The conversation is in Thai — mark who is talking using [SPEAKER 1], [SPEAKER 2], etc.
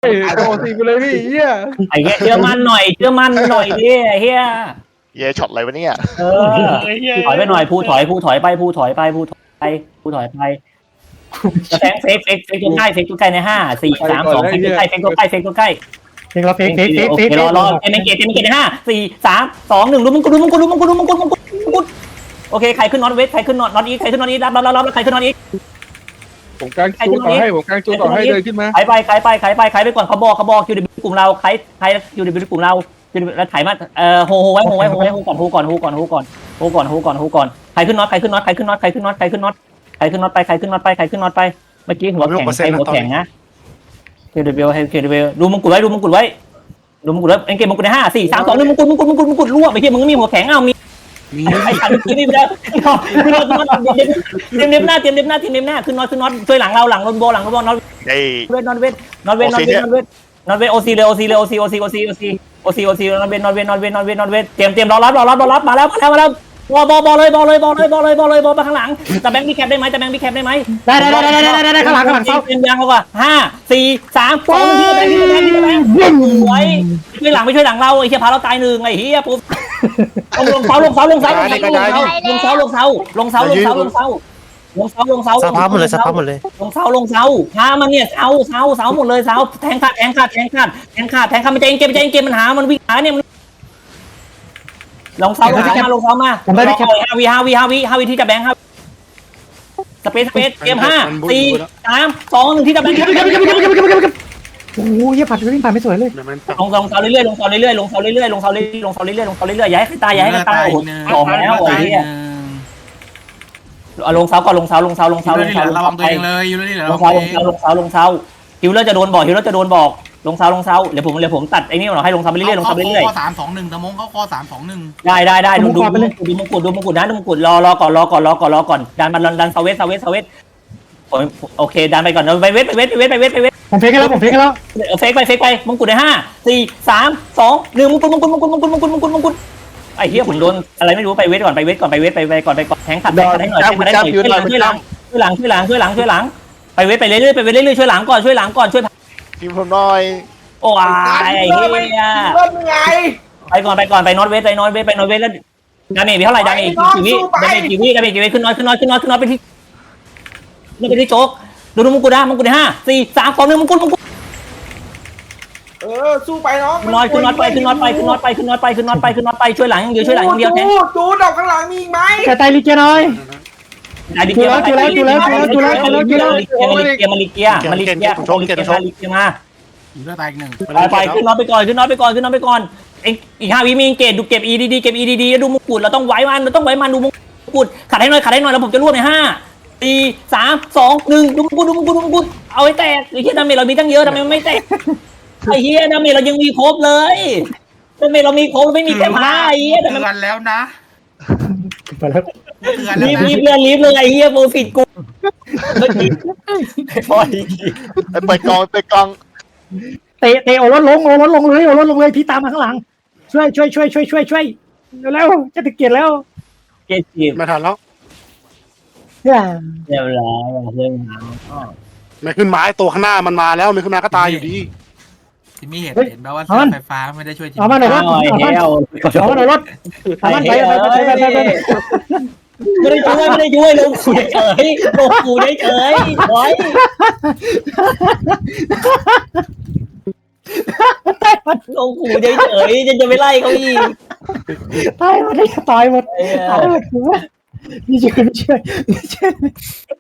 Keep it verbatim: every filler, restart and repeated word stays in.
[SPEAKER 1] โอ้สิไปเลยพี่เฮีย
[SPEAKER 2] ไอ้เหี้ยเชื่อมั่นหน่อยเชื่อมั่นหน่อยดิไอ้เหี้ย
[SPEAKER 3] เย่ช็อตอะไรวะเนี่ย
[SPEAKER 2] เออถอยไปหน่อยพูถอยพูถอยไปพูถอยไปพูถอยไปพูถอยไปแฟงเฟกเฟกเฟกตัวใกล้เฟกตัวใกล้ในห้าสี่สามสองเฟกตัวใกล้เฟกตัวใกล้เฟกตัวใกล้
[SPEAKER 4] เพลงเราเพลงเพลงเพลงเพลง
[SPEAKER 2] รอรอเกมเกมเกมเกมในห้าสี่สามสองหนึ่งลุ้มมึงกูลุ้มมึงกูลุ้มมึงกูลุ้มมึงกูลุ้มมึงกูโอเคใครขึ้นน็อตเวทใครขึ้นน็อตน็อตอีใครขึ้นน็อตอีรับรับรับรับใครขึ้นน็อตอี
[SPEAKER 1] ผมกางจูต่อให้ผมกางจูต่อให้เลยขึ้นมา
[SPEAKER 2] ใครไปใครไปใครไปใครไปก่อนเขาบอกเขาบอกคิวดีกลุ่มเราใครใครคิวดีกลุ่มเราแล้วถ่ายมาเอ่อโฮโฮไว้โฮไว้โฮไว้โฮก่อนโฮก่อนโฮก่อนโฮก่อนโฮก่อนโฮก่อนโฮก่อนใครขึ้นน็อตใครขึ้นน็อตใครขึ้นน็อตใครขึ้นน็อตใครขึ้นน็อตใครขึ้นน็อตไปใครขึ้นน็อตไปใครขึ้นน็อตไปเมื่อกี้หัวแข็งใครหัวแข็งนะคิวดีให้คิวดีดูมงกุฎไว้ดูมงกุฎไว้ดูมงกุฎไว้เอ็นเกมมงกุฎในห้าสี่สามสองหนึ่งมงกุฎมงกุฎมงกุฎมงกุฎรั่วไปเฮียมึงมีหัวแข็งเอามีไอ้ขันขึ้นนี่ไปแล้วขึ้นน็อตขึ้นน็อตเตรียมเน็บหน้าเตรียมเน็บหน้าเตรียมเน็บหน้าขึ้นน็อตขึ้นน็อตช่วยหลังเราหลังรถโบหลังรถโบน็อต
[SPEAKER 3] ไอ้
[SPEAKER 2] เวทนอนเวทนอนเวทนอนเวทนอนเวทนอนเวทโอซีเลยโอซีเลยโอซีโอซีโอซีโอซีโอซีโอซีนอนเวทนอนเวทนอนเวทนอนเวทนอนเวทเตรียมเตรียมรอรับรอรับรอรับมาแล้วมาแล้วมาแล้วบอลบอลบอลเลยบอลเลยบอลเลยบอลเลยบอลเลยบอลไปข้างหลังแต่แบงค์มีแคปได้ไหมแต่แบงค์มีแคปได้ไหม
[SPEAKER 4] ได้ได้ได้ได้ได้ได้ได้ข้างหลังข้างหลัง
[SPEAKER 2] เต็มยางเขาก่อนห้าสี่สามสองที่แบงค์ที่แบงค์ที่แบงค์ไว้ช่วยหลังไม่ช่วยหลังเราไอ้เหี้ยพาเราตายหนึ่งไอ้เหี้ยปุ๊บลงเสาลงเสาลงเสาลงเสาลงเสาลงเสาลงเสาลงเสาลงเสาลงเสาลงเสาลงเสา
[SPEAKER 5] สภาพหมดเลยสภาพหมดเลย
[SPEAKER 2] ลงเสาลงเสาพามันเนี่ยเสาเสาเสาหมดเลยเสาแทงขาดแทงขาดแทงขาดแทงขาดแทงขาดมันจะเองเกมมันจะเองเกมมันหามันวิ่งหาเนี่ยมันลงเสาลงเสามาลงเสามาห้าวิห้าวิห้าวิห้าวิที่จะแบงค์ครับสเปซสเปซเกมห้าสี่สามสองหนึ่งที่จะแบงค์
[SPEAKER 4] โอ้ยผ่านวิ่งผ่านไม่สวยเลย
[SPEAKER 2] ลงลงเสาเรื่อยๆลงเสาเรื่อยๆลงเสาเรื่อยๆลงเสาเรื่อยๆลงเสาเรื่อยๆลงเสาเรื่อยๆอย่าให้ใครตายอย่าให้ใครตายโอ้โหสองแล้วไอ้เนี่ยลงเสาก่อนลงเสาลงเสาลงเสาลงเสา
[SPEAKER 6] ระวังตัวเองเลยอยู่นี่แหละ
[SPEAKER 2] ลงเสาลงเสาลงเสาลงเสาฮิวเลอร์จะโดนบอกฮิวเลอร์จะโดนบอกลงเสาลงเสาเดี๋ยวผมเดี๋ยวผมตัดไอ้นี่หน่อยให้ลงเสาไปเรื่อยๆลงเสาไปเรื่อย
[SPEAKER 6] ข้อสามสองหนึ่งตะมงเขาข้อสามสองหนึ่ง
[SPEAKER 2] ๆได้ได้ได้ดูดูดูมงกุฎดูมงกุฎนะดูมงกุฎรอรอก่อนรอก่อนรอก่อนรอก่อนดันมาดันเซเวสเซเวสเซเวสโอเคดันไปก่อนไปเวทไปเวทไปเวทไปเวทไปเวท
[SPEAKER 4] ผมเพลงแล้วผมเพลงแล้ว
[SPEAKER 2] เฟกไปเฟกไปมงกุฎในห้าสี่สามสองหนึ่งมงกุฎมงกุฎมงกุฎมงกุฎมงกุฎมงกุฎมงกุฎไอ้เหี้ยผมโดนอะไรไม่รู้ไปเวทก่อนไปเวทก่อนไปเวทไปไปก่อนไปก่อนแทงขัดแทงขัดให้หน่อยแทงขัดให้หน่อยช่วยหลังช่วยหลังช่วยหลังช่วยหลังช่วยหลังช่วยหลังไปเวทไปเรื่อยๆไปเวทเรื่อยๆช่วยหลังก่อนช่วยหลังก่อนช่วย
[SPEAKER 3] ทีมผมหน่อย
[SPEAKER 2] โอ้ยไอ้เหี้ย
[SPEAKER 7] เริ่มยังไง
[SPEAKER 2] ไปก่อนไปก่อนไปนอตเวสไปนอตเวสไปนอตเวสแล้วดาเมจมีเท่าไหร่ดาเมจกี่วิดาเมจกี่วิดาเมจกี่วิขึ้นน้อยขึ้นน้อยขึ้นน้อยขึ้นน้อยไปที่นี่ไปที่โจ๊กดูดูมงกุฎนะมงกุฎในห้าสี่สามสองหนึ่งมงกุฎมงกุฎ
[SPEAKER 7] เออสู้ไปน้อง
[SPEAKER 2] ขึ้นน้อยขึ้นน้อยไปขึ้นน้อยไปขึ้นน้อยไปขึ้นน้อยไปขึ้นน้อยไปขึ้นน้อยไปช่วยหลังอย่างเดียวช่วยหลังอย่างเดียวแทน
[SPEAKER 7] จูดจูดดอกข้างหลังมีอีกไหม
[SPEAKER 4] แกตายลิเกน้อย
[SPEAKER 2] ได้ดิเกียร์มาลิเกียร์มาลิเกียร์มาลิเกียร์มาลิเกียร์มาลิเกียร์มาลิเกียร์มา
[SPEAKER 6] อยู่ด้วยตายอีกหนึ่ง
[SPEAKER 2] ไปไปขึ้นน้อยไปก่อนขึ้นน้อยไปก่อนขึ้นน้อยไปก่อนเองอีกห้าวิมีเกตดูเก็บ อี ดี ดี เก็บ อี ดี ดี แล้วดูมงกุฎเราต้องไว้มันเราต้องไว้มันดูมงกุฎขัดให้หน่อยขัดให้หน่อยแล้วผมจะรวบในห้าสี่สามสองหนึ่งดูมงกุฎดูมงกุฎดูมงกุฎเอาให้แตกไอ้เหี้ยดาเมจเรามีตั้งเยอะทำไมมันไม่แตกไอ้เหี้ยดาเมจเรายังมีครบเลยดาเมจเรามีครบไม่มีแค่ผ้าไอ้เหี้ยแต่
[SPEAKER 6] เตื
[SPEAKER 2] มัน
[SPEAKER 6] อนแล้วนะ
[SPEAKER 4] ไปแล้ว
[SPEAKER 6] เตือนแล้ว
[SPEAKER 2] รีบ
[SPEAKER 6] นะ
[SPEAKER 2] รีบเลยรีบเลยไอ้เหี้ยโปรฟิตกูพอดี
[SPEAKER 3] ไปกองไปกอง
[SPEAKER 4] เตะเตะโอรถลงโอรถลงเลยโอรถลงเลยพี่ตามมาข้างหลังช่วยช่วยช่วยช่วยช่วยช่วยแล้วจะถึงเกียรแล้ว
[SPEAKER 2] เจ็ดสิบ
[SPEAKER 5] ไม่ทันแล้ว
[SPEAKER 4] เนี่ย
[SPEAKER 2] เรียบร้อยเรื่องราว
[SPEAKER 5] ไม่ขึ้นไม้ตัวข้างหน้ามันมาแล้วไม่ขึ้นมาก็ตายอยู่ดี
[SPEAKER 6] ที่มีเหตุเห็นแปลว่าไฟฟ้าไม่ได้ช่วยจริง
[SPEAKER 4] เอามาหน่อยรถ
[SPEAKER 2] หน่อย
[SPEAKER 4] เอามา
[SPEAKER 2] เฮล
[SPEAKER 4] เอามาหน่อยรถเอามาไปไปไปไปไปไป
[SPEAKER 2] ไม่ได้ช่วยไม่ได้ช่วยลงกูเฉยลงกูเฉยไว้ ลงขู่เฉยๆจะจะไปไล่เขาอีก
[SPEAKER 4] ตายหมดเลยตายหมดตายหมดกูว่านี่ช่วยไม่ช่วยไม่ช่วย